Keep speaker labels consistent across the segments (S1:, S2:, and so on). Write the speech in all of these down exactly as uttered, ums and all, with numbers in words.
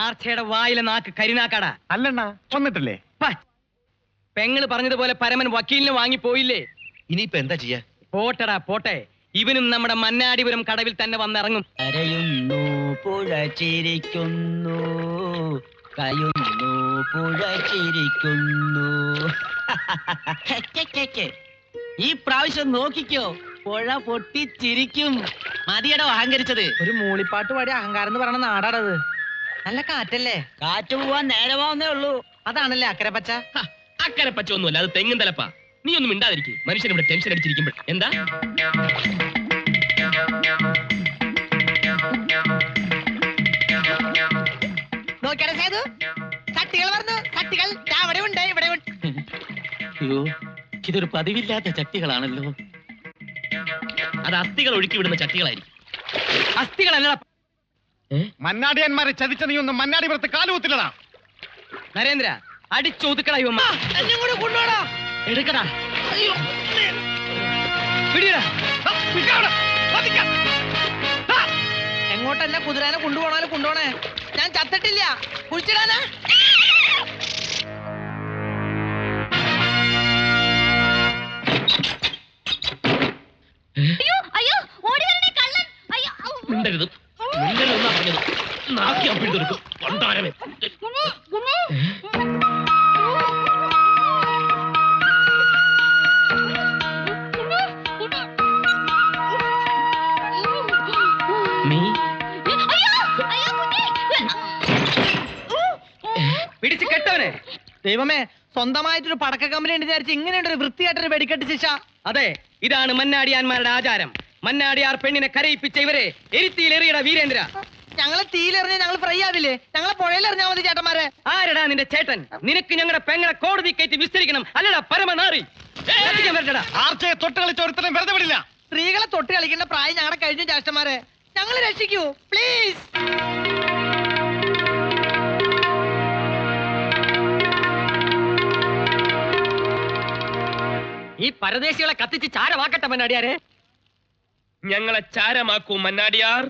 S1: ആർച്ചയുടെ വായിലെ നാക്ക് കരിനാക്കാടാ.
S2: അല്ലണ്ണ വന്നിട്ടില്ലേ?
S1: പെങ്ങള് പറഞ്ഞതുപോലെ പരമൻ വക്കീലിന് വാങ്ങി പോയില്ലേ?
S3: ഇനിയിപ്പോ എന്താ ചെയ്യാ?
S1: പോട്ടടാ പോട്ടെ, ഇവനും നമ്മുടെ മന്നാടിപുരം കടവിൽ തന്നെ വന്നിറങ്ങും.
S4: കരയുന്നു പുഴ ചിരിക്കുന്നു, കയുന്നു പുഴ ചിരിക്കുന്നു. ഈ പ്രാവശ്യം നോക്കിക്കോ, പുഴ പൊട്ടിച്ചിരിക്കും. മതിയടോ അഹങ്കരിച്ചത്.
S1: ഒരു മൂളിപ്പാട്ട് പാടി അഹങ്കാരം എന്ന് പറയുന്ന നാടാടത്. നല്ല കാറ്റല്ലേ?
S4: കാറ്റ് പോവാൻ നേരമാവുന്നേ ഉള്ളൂ.
S1: അതാണല്ലേ അക്കരെ പച്ച.
S5: അക്കരെ പച്ച ഒന്നുമല്ല, അത് തെങ്ങും തലപ്പാ. നീ ഒന്നും മിണ്ടാതിരിക്കും. മനുഷ്യൻ ഇവിടെ ടെൻഷൻ അടിച്ചിരിക്കുമ്പോൾ എന്താ
S1: നോക്കിയാ സേതു, ചട്ടികൾ പറഞ്ഞു. ചട്ടികൾ അവിടെ ഉണ്ട്, ഇവിടെ ഉണ്ട്.
S4: അയ്യോ, ഇതൊരു പതിവില്ലാത്ത ചട്ടികളാണല്ലോ.
S5: അത് അസ്ഥികൾ ഒഴുക്കി വിടുന്ന ചട്ടികളായിരിക്കും.
S1: അസ്ഥികളല്ല,
S2: മന്നാടിയന്മാരെ ചതിച്ച നീ ഒന്നും മന്നാടിപുരത്ത് കാലുകുത്തില്ലടാ.
S1: നരേന്ദ്ര അടിച്ചൊതുക്കടാ ഇവമ്മ. കൊണ്ടുപോടാ,
S4: എടുക്കടാ.
S1: എങ്ങോട്ടെന്നെ കുതിരാനെ കൊണ്ടുപോണാലും കൊണ്ടുപോണേ. ഞാൻ ചത്തിട്ടില്ല, കുഴിച്ചിടാനാ.
S5: മിണ്ടരുത്, മിണ്ടരുതെന്നാ പറഞ്ഞത്. നാക്കി അപ്പിട്ടെടുക്കും കൊണ്ടാരമേ.
S1: പിടിച്ച് കെട്ടവനെ. ദൈവമേ, സ്വന്തമായിട്ടൊരു പടക്ക കമ്പനി ഉണ്ട് വിചാരിച്ച് ഇങ്ങനെയുണ്ട് ഒരു വൃത്തിയായിട്ടൊരു വെടിക്കെട്ട് ശിക്ഷ. അതെ, ഇതാണ് മന്നാടിയാന്മാരുടെ ആചാരം. മന്നാടിയാർ പെണ്ണിനെ കരയിപ്പിച്ച ഇവരെ എരിത്തിയിലെറിയട വീരേന്ദ്ര. ഞങ്ങളെ തീയിലെറിഞ്ഞ ഞങ്ങൾ ഫ്രൈ ആവില്ലേ? ഞങ്ങളെ പുഴയിലെറിഞ്ഞാ മതി ചേട്ടന്മാരെ. ആരടാ നിന്റെ ചേട്ടൻ? നിനക്ക് ഞങ്ങളുടെ പെങ്ങളെ കോടതി കയറ്റി വിസ്തരിക്കണം, അല്ലടാ പരമനാറി.
S2: ആർച്ചയെ തൊട്ട് കളിച്ച ഒരുത്തരം വെറുതെ വിടില്ല.
S1: സ്ത്രീകളെ തൊട്ട് കളിക്കേണ്ട പ്രായം ഞങ്ങളുടെ കഴിഞ്ഞു ചേട്ടന്മാരെ. ഞങ്ങൾ രക്ഷിക്കൂ പ്ലീസ്. ഈ പരദേശികളെ കത്തിച്ച് ചാരമാക്കട്ടെ മന്നാടിയാരെ.
S5: ഞങ്ങളെ ചാരമാക്കൂ മന്നാടിയാർ.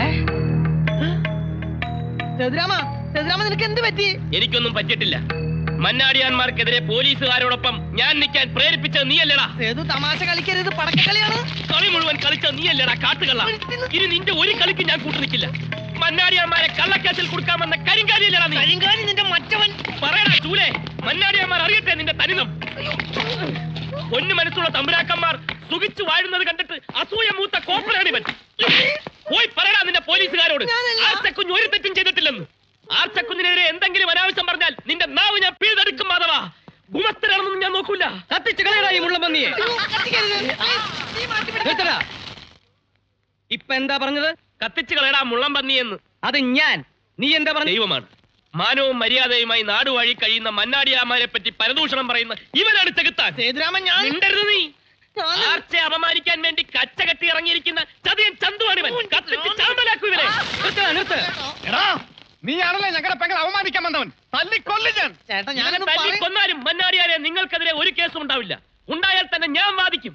S1: സേതുരാമ, സേതുരാമ നിനക്ക് എന്ത് പറ്റി?
S5: എനിക്കൊന്നും പറ്റിയിട്ടില്ല. മന്നാടിയാന്മാർക്കെതിരെ പോലീസുകാരോടൊപ്പം ഞാൻ നിൽക്കാൻ പ്രേരിപ്പിച്ചത് നീയല്ലടാ.
S1: സേതു തമാശ കളിക്കരുത്, പടക്കക്കളിയാണ്.
S5: കളി മുഴുവൻ കളിച്ചത് നീയല്ലടാ കാട്ടുകള്ള. ഇനി നിന്റെ ഒരു കളിക്ക് ഞാൻ കൂട്ടു നിൽക്കില്ല. മന്നാടിയാന്മാരെ കള്ളക്കേസിൽ കൊടുക്കാമെന്ന കരിങ്കാലിയല്ലടാ നീ.
S1: കരിങ്കാലി നിന്റെ മറ്റവൻ.
S5: പറയടാ ചൂലേ, മന്നാടിയാന്മാർ അറിയട്ടെ നിന്റെ തനിതം. പൊന്നു മനസ്സുള്ള തമ്പുരാക്കന്മാർ സുഖിച്ചു വാഴുന്നത് കണ്ടിട്ട് അസൂയ മൂത്ത കോപ്പറാണിവൻ. പോയി പറയടാ നിന്റെ പോലീസുകാരോട് ആർച്ചക്കുഞ്ഞ് ഒരു തെറ്റും ചെയ്തിട്ടില്ലെന്ന്. ആർച്ചക്കുഞ്ഞിനെതിരെ എന്തെങ്കിലും അനാവശ്യം പറഞ്ഞാൽ നിന്റെ നാവ് ഞാൻ പിഴുതെടുക്കും. മാധവാ, ഗുമസ്തരാണെന്നൊന്നും ഞാൻ നോക്കൂല.
S1: കത്തിച്ച് കളയടാ ഈ മുള്ളമ്പന്നിയെ. ഇപ്പൊ എന്താ പറഞ്ഞത്?
S5: കത്തിച്ചു കളയടാ മുള്ളം പന്നിയെന്ന്.
S1: അത് ഞാൻ. നീ എന്താ പറഞ്ഞ?
S5: ദൈവമാണ്. മാനവും മര്യാദയുമായി നാടുവഴി കഴിയുന്ന മന്നാടിയാമാരെ പറ്റി പരദൂഷണം പറയുന്ന ഇവനാണ് ചെകുത്താൻ.
S1: സേതുരാമൻ, ഞാൻ
S5: മിണ്ടരുത് നീ. ആർച്ചയെ അപമാനിക്കാൻ വേണ്ടി കച്ച കെട്ടി ഇറങ്ങിയിരിക്കുന്ന ചതിയൻ ചന്തുവാണിവൻ. കത്തിച്ച് ചാമ്പലാക്കൂ ഇവരെ.
S2: എടാ, നീയാണല്ലേ ഞങ്ങളുടെ പെങ്ങളെ അവമാനിക്കാൻ വന്നവൻ. തല്ലിക്കൊല്ലു ഞാൻ.
S1: ചേട്ടാ, ഞാൻ
S5: തല്ലി കൊന്നാലും മന്നാടിയാരെ നിങ്ങൾക്കെതിരെ ഒരു കേസും ഉണ്ടാവില്ല. ഉണ്ടായാൽ തന്നെ ഞാൻ വാദിക്കും.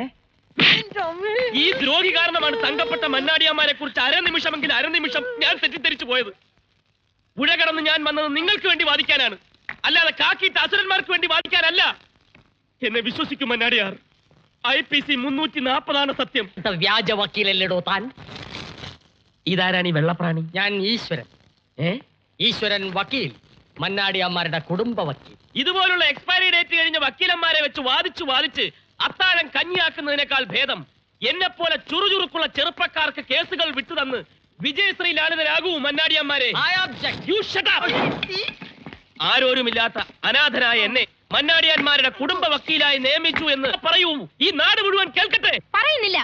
S5: ഈ ദ്രോഹി കാരണമാണ് തങ്കപ്പെട്ട മന്നാടിയാമാരെ കുറിച്ച് അരനിമിഷമെങ്കിൽ അരനിമിഷം ഞാൻ തെറ്റിദ്ധരിച്ചു പോയത്. പുഴ കടന്ന് ഞാൻ വന്നത് നിങ്ങൾക്ക് വേണ്ടി വാദിക്കാനാണ്, അല്ലാതെ കാക്കിയിട്ട് അസുരന്മാർക്ക് വേണ്ടി വാദിക്കാനല്ല. എന്നെ വിശ്വസിക്കും മന്നാടിയാർ. ഐ പി സി മുന്നൂറ്റി നാപ്പതാണ് സത്യം.
S1: വ്യാജ വക്കീലല്ലേടോ താൻ?
S5: ഇതാരാണ് ഈ വെള്ളപ്രാണി?
S1: ഞാൻ ഈശ്വരൻ.
S5: ഏ
S1: ഈശ്വരൻ വക്കീൽ, മന്നാടിയന്മാരുടെ കുടുംബ വക്കീൽ.
S5: ഇതുപോലുള്ള എക്സ്പയറി ഡേറ്റ് കഴിഞ്ഞ വക്കീലന്മാരെ വെച്ച് വാദിച്ചു വാദിച്ച് അത്താഴം കഞ്ഞിയാക്കുന്നതിനേക്കാൾ ഭേദം എന്നെ പോലെ ചുറുചുറുക്കുള്ള ചെറുപ്പക്കാർക്ക് കേസുകൾ വിട്ടുതന്ന് വിജയശ്രീ ലാളിതരാകൂ മന്നാടിയന്മാരെ. ആരോരുമില്ലാത്ത അനാഥനായ എന്നെ മന്നാടിയന്മാരുടെ കുടുംബ വക്കീലായി നിയമിച്ചു എന്ന് പറയൂ. ഈ നാട് മുഴുവൻ കേൾക്കട്ടെ.
S6: പറയുന്നില്ല.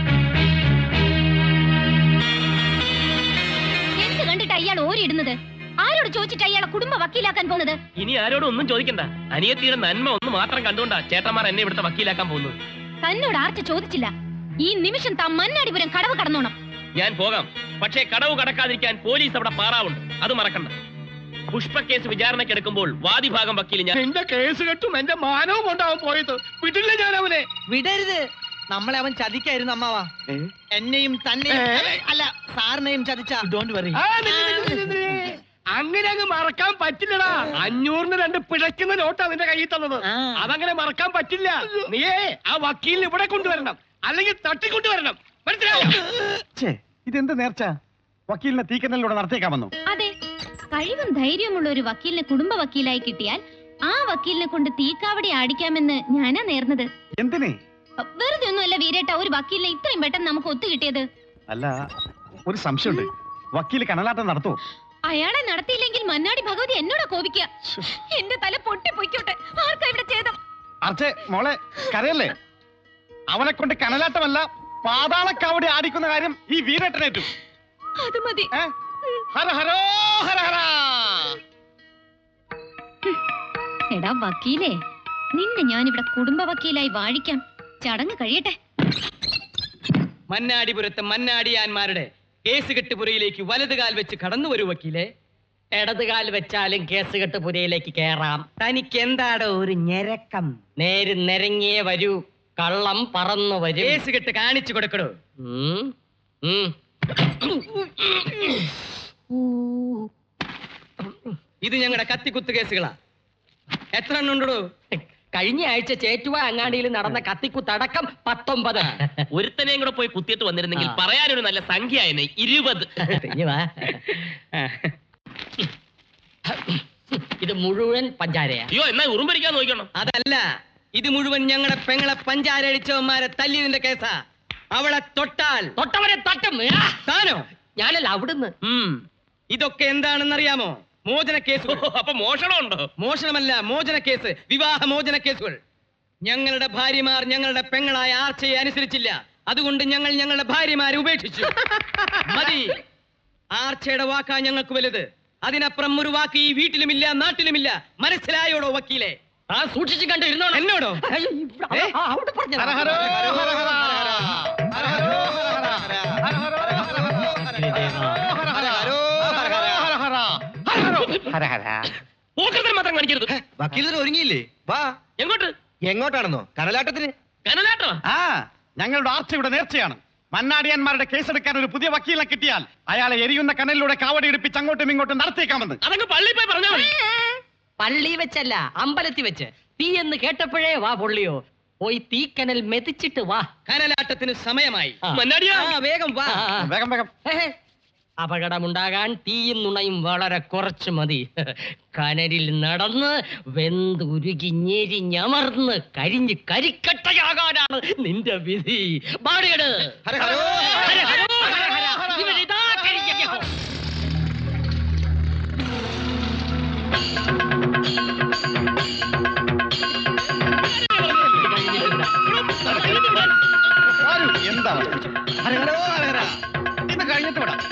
S6: എന്ത് കണ്ടിട്ട് അയാൾ ഓരിയിടുന്നത്? ആരോട് ചോദിച്ചിട്ട് അയാളെ കുടുംബ വക്കീലാക്കാൻ പോകുന്നത്?
S5: ഇനി ആരോടും ഒന്നും ചോദിക്കണ്ട. അനിയത്തിയുടെ നന്മ ഒന്ന് മാത്രം കണ്ടുകൊണ്ടാ ചേട്ടന്മാർ എന്നെ ഇവിടുത്തെ വക്കീലാക്കാൻ പോകുന്നത്.
S6: തന്നോട് ആർച്ച ചോദിച്ചില്ല. ഈ നിമിഷം താൻ മന്നാടിപുരം കടവ് കടന്നോണം.
S5: ഞാൻ പോകാം, പക്ഷേ കടവ് കടക്കാതിരിക്കാൻ പോലീസ് അവിടെ പാറാവുണ്ട്. അത് മറക്കണ്ട. പുഷ്പ കേസ് വിചാരണക്കെടുക്കുമ്പോൾ വാദിഭാഗം വക്കീൽ ഞാൻ.
S2: എന്റെ കേസ് കെട്ടും എന്റെ മാനവും കൊണ്ടാവും പോയത്. വിടില്ല ഞാൻ അവനെ.
S1: വിടരുത്. നമ്മളെ അവൻ ചതിക്കായിരുന്നു അമ്മാവാ. എന്നെയും തന്നെയും അല്ല സാറിനെയും ചതിച്ച. Don't worry.
S2: അങ്ങനെ അങ്ങ് മറക്കാൻ പറ്റില്ലടാ. അഞ്ഞൂറിന് രണ്ട് പിഴയ്ക്കുന്ന നോട്ടാ നിന്റെ കയ്യിൽ തന്നത്.
S4: ആ.
S2: അതങ്ങനെ മറക്കാൻ പറ്റില്ല. നീയേ ആ വക്കീലിനെ ഇവിടെ കൊണ്ടുവരണം, അല്ലെങ്കിൽ തട്ടിക്കൊണ്ടുവരണം. മനസ്സിലായോ?
S3: ഇതെന്ത് നേർച്ച? വക്കീലിനെ തീക്കനലിലൂടെ നടത്തിയേക്കാമെന്നു?
S6: അതെ, കഴിവും ധൈര്യമുള്ള ഒരു വക്കീലിനെ കുടുംബ വക്കീലായി കിട്ടിയാൽ ആ വക്കീലിനെ കൊണ്ട് തീക്കാവടി ആടിക്കാമെന്ന് ഞാനാ നേർന്നത്.
S3: എന്തിനെ?
S6: വെറുതെ ഒന്നുമല്ല വീരേട്ട ഒരു വക്കീലിനെ ഇത്രയും പെട്ടെന്ന് നമുക്ക് ഒത്തു കിട്ടിയത്.
S3: അല്ല, ഒരു സംശയമുണ്ട്. വക്കീല് കനലാട്ടം നടത്തുമോ?
S6: അയാളെ നടത്തിയില്ലെങ്കിൽ മന്നാടി ഭഗവതി എന്നോടാ കോപിക്കുക. എന്റെ തല പൊട്ടി പൊയ്ക്കോട്ടെ. ആർക്കാ ഇവിടെ ചെയ്തം?
S3: അർച്ചേ മോളെ, കരയല്ലേ. അവനെ കൊണ്ട് കനലാട്ടമല്ല പാതാളക്കാവടി ആടിക്കുന്ന കാര്യം ഈ വീരേട്ടനേറ്റു.
S6: അത് മതി.
S3: ഏ? ഹര ഹരോ ഹര ഹര.
S6: എടാ വക്കീലേ, നിന്നെ ഞാനിവിടെ കുടുംബ വക്കീലായി വാഴിക്കാം. ചടങ്ങ് കഴിയട്ടെ.
S1: മന്നാടിപുരത്തെ മന്നാടിയാന്മാരുടെ കേസ് കെട്ടുപുരയിലേക്ക് വലതുകാൽ വെച്ച് കടന്നു വരൂ വക്കീലെ.
S4: ഇടതുകാൽ വെച്ചാലും കേസ് കെട്ട് പുരയിലേക്ക് കേറാം.
S1: തനിക്ക് എന്താടോ ഒരു ഞെരക്കം?
S4: നേര് നിരങ്ങിയേ വരൂ, കള്ളം പറന്നു വരും.
S1: കേസ് കെട്ട് കാണിച്ചു കൊടുക്കടോ.
S4: ഉം, ഉം.
S1: ഇത് ഞങ്ങളുടെ കത്തിക്കുത്ത് കേസുകളാ. എത്ര എണ്ണം ഉണ്ടോ?
S4: കഴിഞ്ഞ ആഴ്ച ചേറ്റുവ അങ്ങാടിയിൽ നടന്ന കത്തിക്കുത്തടക്കം പത്തൊമ്പത്.
S5: ഒരുത്തനെയും കൂടെ പോയി കുത്തിയിട്ട് വന്നിരുന്നെങ്കിൽ
S4: ആ.
S5: പറയാനൊരു നല്ല സംഖ്യ ആയനെ. ഇരുപത്.
S4: ഇനി വാ. ഇത് മുഴുവൻ പഞ്ചാരയാ.
S5: അയ്യോ, എന്നാ ഉറുമ്പരിക്കാൻ നോക്കണം.
S1: അതല്ല, ഇത് മുഴുവൻ ഞങ്ങളുടെ പെങ്ങളെ പഞ്ചാരടിച്ചവന്മാരെ തല്ലിയതിന്റെ കേസാ. അവളെ തൊട്ടാൽ
S4: തൊട്ടവരെ തട്ടും. ആ!
S1: താനോ?
S4: ഞാനല്ല, അവിടുന്ന്.
S1: ഉം. ഇതൊക്കെ എന്താണെന്നറിയാമോ? മോചന കേസുകൾ.
S5: അപ്പൊ മോഷണമുണ്ടോ?
S1: മോഷണമല്ല, മോചന കേസ്, വിവാഹ മോചന കേസുകൾ. ഞങ്ങളുടെ ഭാര്യമാർ ഞങ്ങളുടെ പെങ്ങളായ ആർച്ചയെ അനുസരിച്ചില്ല. അതുകൊണ്ട് ഞങ്ങൾ ഞങ്ങളുടെ ഭാര്യമാരെ ഉപേക്ഷിച്ചു. മതി. ആർച്ചയുടെ വാക്കാ ഞങ്ങൾക്ക് വലുത്. അതിനപ്പുറം ഒരു വാക്ക് ഈ വീട്ടിലുമില്ല, നാട്ടിലുമില്ല. മനസ്സിലായോടോ വക്കീലെ?
S4: ആ സൂക്ഷിച്ചു കണ്ടു ഇരുന്നോ.
S1: എന്നോടോ?
S4: അയ്യോ, ഇവിടെ,
S1: ഏ?
S4: ആ, അവിടെ പറഞ്ഞതാ.
S3: ഹര ഹരോ ഹര ഹര. ഹര ഹരോ ഹര ഹര. ഹര ഹരോ ഹര ഹര. ഹര ഹര.
S5: പോക്കത്തിൽ മാത്രം കാണിക്കരുത്.
S2: വക്കീലിന് ഒരുങ്ങിയില്ലേ? വാ.
S5: എങ്ങോട്ട്?
S2: എങ്ങോട്ടാണെന്നോ? കനലാട്ടത്തിന്.
S5: കനലാട്ടോ?
S3: ആ, ഞങ്ങളുടെ ആർച്ചയുടെ നേർച്ചയാണ്. മന്നാടിയാന്മാരുടെ കേസെടുക്കാൻ ഒരു പുതിയ വക്കീലിനെ കിട്ടിയാൽ അയാളെ എരിയുന്ന കനലിലൂടെ കാവടി എടുപ്പിച്ച് അങ്ങോട്ടും ഇങ്ങോട്ടും നടത്തിയേക്കാമെന്ന്.
S5: അതങ്ങ് പള്ളി പോയി പറഞ്ഞാ മതി.
S4: പള്ളി വെച്ചല്ല, അമ്പലത്തിൽ വെച്ച്. തീ എന്ന് കേട്ടപ്പോഴേ വാ പൊള്ളിയോ. പോയി തീക്കനൽ മെതിച്ചിട്ട് വാ.
S1: കനലാട്ടത്തിന് സമയമായി.
S4: ആ.
S5: മന്നാടിയാ,
S1: ആ, വേഗം വാ.
S4: ആ, ആ.
S3: വേഗം വേഗം.
S4: ഹേ, ഹേ. അപകടമുണ്ടാകാൻ തീയും നുണയും വളരെ കുറച്ച് മതി. കനലിൽ നടന്ന് വെന്തുരുകി ഞെരിഞ്ഞമർന്ന് കരിഞ്ഞ് കരിക്കട്ടയാകാനാണ് നിന്റെ വിധി. ബാടിയട്.
S3: ഹര ഹരോ
S4: ഹര ഹരോ ഹര ഹര. ഇവരിതാ കരിഞ്ഞ.
S3: ആരും എന്താ? ഹര ഹരോ ഹര ഹര. ഇത് കഴിഞ്ഞിട്ട് വിടാം.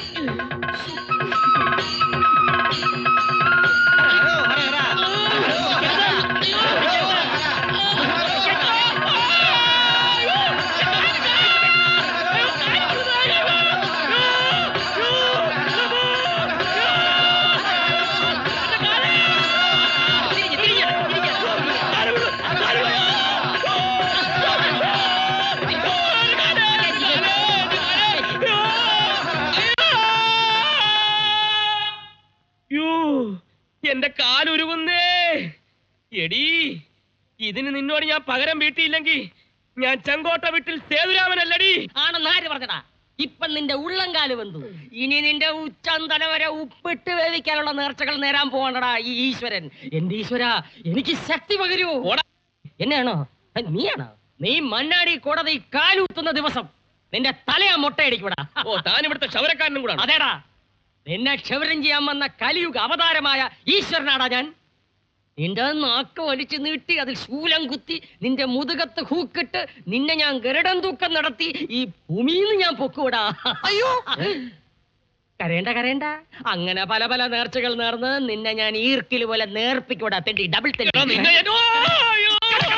S5: യ്യോ, എന്റെ കാലുരുകുന്നേ. എടീ, ഇതിന് നിന്നോട് ഞാൻ പകരം വീട്ടിയില്ലെങ്കിൽ ഞാൻ ചെങ്കോട്ട വീട്ടിൽ സേതുരാമനല്ലടി.
S4: ആണെന്ന് ആര് പറഞ്ഞടാ? ഇപ്പൊ നിന്റെ ഉള്ളംകാല് വെന്തു. ഇനി നിന്റെ ഉച്ചന്തല വരെ ഉപ്പിട്ട് വേവിക്കാനുള്ള നേർച്ചകൾ നേരാൻ പോകണ്ടടാ ഈ ഈശ്വരൻ. എന്റെ ഈശ്വര, എനിക്ക് ശക്തി പകരൂ.
S5: ഓടാ.
S4: എന്നെയാണോ? ഏ, നീയാണോ? നീ മണ്ണാടി കോടതി കാലൂത്തുന്ന ദിവസം നിന്റെ തലയാ മുട്ടയടിക്കൂടാ.
S5: ഓ, താൻ ഇവിടുത്തെ ക്ഷവരക്കാരനും കൂടാണ്.
S4: അതേടാ, നിന്നെ ക്ഷവരം ചെയ്യാൻ വന്ന കലിയുഗ അവതാരമായ ഈശ്വരനാടാ ഞാൻ. നിന്റെ നാക്ക് വലിച്ചു നീട്ടി അതിൽ ശൂലം കുത്തി നിന്റെ മുതുകത്ത് ഹൂക്കിട്ട് നിന്നെ ഞാൻ ഗരുഡൻ തൂക്കം നടത്തി ഈ ഭൂമിയിൽ ഞാൻ പൊക്കൂടാ. അയ്യോ, കരയണ്ട കരയണ്ട. അങ്ങനെ പല പല നേർച്ചകൾ നേർന്ന് നിന്നെ ഞാൻ ഈർക്കിൽ പോലെ നേർപ്പിക്കൂടാ. തെണ്ടി ഡബിൾ
S5: എടാ, നിന്നെ ഞാൻ- ഓ, അയ്യോ.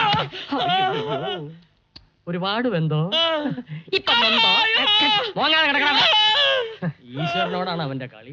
S4: ഒരുപാട് വെന്തോ ഇപ്പൊ വെന്തോ? മോങ്ങാതെ കിടക്കണം. ഈശ്വരനോടാണ് അവന്റെ കളി.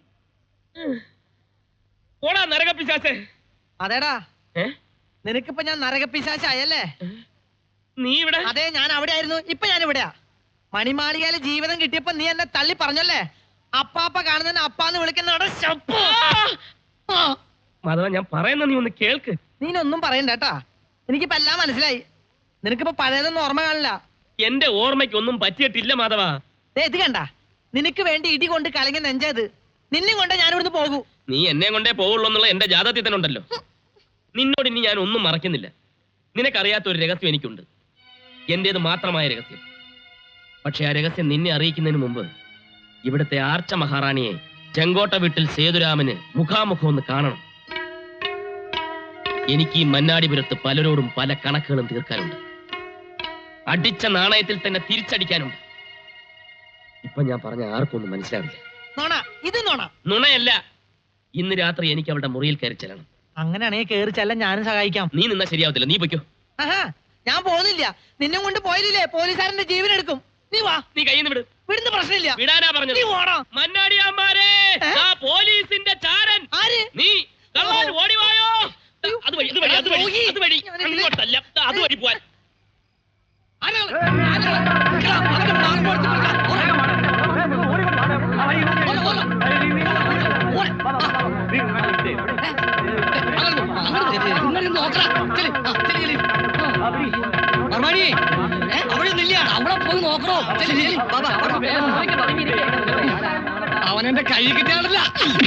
S5: ഓടാ നരകപ്പിശാചേ.
S1: അതേടാ,
S5: ഏ?
S1: നിനക്കിപ്പോ ഞാൻ നരകപ്പിശാചായല്ലേ?
S5: നീ ഇവിടെ?
S1: അതെ, ഞാൻ അവിടെ ആയിരുന്നു. ഇപ്പൊ ഞാൻ ഇവിടെയാ. മണിമാളികയില് ജീവിതം കിട്ടിയപ്പോ നീ എന്നെ തള്ളി പറഞ്ഞല്ലേ? അപ്പാപ്പ കാണുന്നതിന് അപ്പാന്ന് വിളിക്കുന്നവിടെ ശപ്പ്. ആ.
S5: മാധവ ഞാൻ പറയുന്ന നീ ഒന്ന് കേൾക്ക്.
S1: നീനൊന്നും പറയണ്ട കേട്ടാ, എനിക്കിപ്പോ എല്ലാം മനസ്സിലായി. നിനക്കിപ്പോ പഴയതൊന്നും ഓർമ്മ കാണില്ല.
S5: എന്റെ ഓർമ്മയ്ക്കൊന്നും പറ്റിയിട്ടില്ല മാധവ.
S1: ദേ ഇത് കണ്ട, നിനക്ക് വേണ്ടി ഇടി കൊണ്ട് കലങ്ങി നെഞ്ചത് നിന്നെ കൊണ്ട് ഞാൻ ഇവിടുന്ന് പോകൂ.
S5: നീ എന്നെ കൊണ്ടേ പോവുള്ളൂ എന്നുള്ള എന്റെ ജാതകത്തിൽ തന്നെ ഉണ്ടല്ലോ. നിന്നോട് ഇനി ഞാൻ ഒന്നും മറക്കുന്നില്ല. നിനക്കറിയാത്ത ഒരു രഹസ്യം എനിക്കുണ്ട്, എന്റേത് മാത്രമായ രഹസ്യം. പക്ഷെ ആ രഹസ്യം നിന്നെ അറിയിക്കുന്നതിന് മുമ്പ് ഇവിടുത്തെ ആർച്ച മഹാറാണിയെ ചെങ്കോട്ട വീട്ടിൽ സേതുരാമന് മുഖാമുഖം ഒന്ന് കാണണം. എനിക്ക് ഈ മന്നാടിപുരത്ത് പലരോടും പല കണക്കുകളും തീർക്കാനുണ്ട്. അടിച്ച നാണയത്തിൽ തന്നെ തിരിച്ചടിക്കാനുണ്ട്. ഇപ്പൊ ഞാൻ പറഞ്ഞ ആർക്കൊന്നും മനസ്സിലാവില്ല.
S1: നോണ, ഇത് നോണ.
S5: നുണയല്ല. ഇന്ന് രാത്രി എനിക്ക് അവളുടെ മുറിയിൽ കയറി ചെല്ലണം.
S1: അങ്ങനെയാണെങ്കിൽ കേറി ചെല്ലാൻ ഞാനും സഹായിക്കാം.
S5: നീ നിന്നാ ശരിയാവത്തില്ല, നീ പൊയ്ക്കോ.
S1: ആഹാ, ഞാൻ പോകുന്നില്ല. നിന്നെ കൊണ്ട് പോയില്ലേ പോലീസുകാരന്റെ ജീവൻ എടുക്കും. നീ വാ.
S5: നീ കയ്യിൽ നിന്ന് വിട്.
S1: വിടുന്ന പ്രശ്നമില്ല.
S5: വിടാനാ പറഞ്ഞത്.
S1: നീ ഓടാ.
S5: മന്നാടിയാമ്മാരെ,
S1: ഏ?
S5: ആ പോലീസിന്റെ ചാരൻ.
S1: ആര്?
S5: നീ കള്ളൻ, ഓടിവായോ. അതുവഴി അതുവഴി അതുവഴി
S1: ദ്രോഹി.
S5: അതുവഴി
S1: ഞാനിതിലെ-
S5: അങ്ങോട്ടല്ല, ദാ അതുവഴി പോവാൻ.
S1: ആരാള്? ആരാള്? നിൽക്കണം. അവന്റെ നാക്ക് കൊടുത്ത് പിടിക്കാം. ഓടാ. ഓടാ, ഓടാ. ഓടാ. ഇങ്ങനെ നോക്കടാ. ചെല്. ആ, ചെല്, ചെല്. വർമാണി, ഏ, അവിടെ നില്ല. അവിടെ പോയി നോക്കണോ? ചെല്, ചെല്. വാ, വാ, വാ. അവനെന്റെ കൈ കിട്ടിയാണല്ല.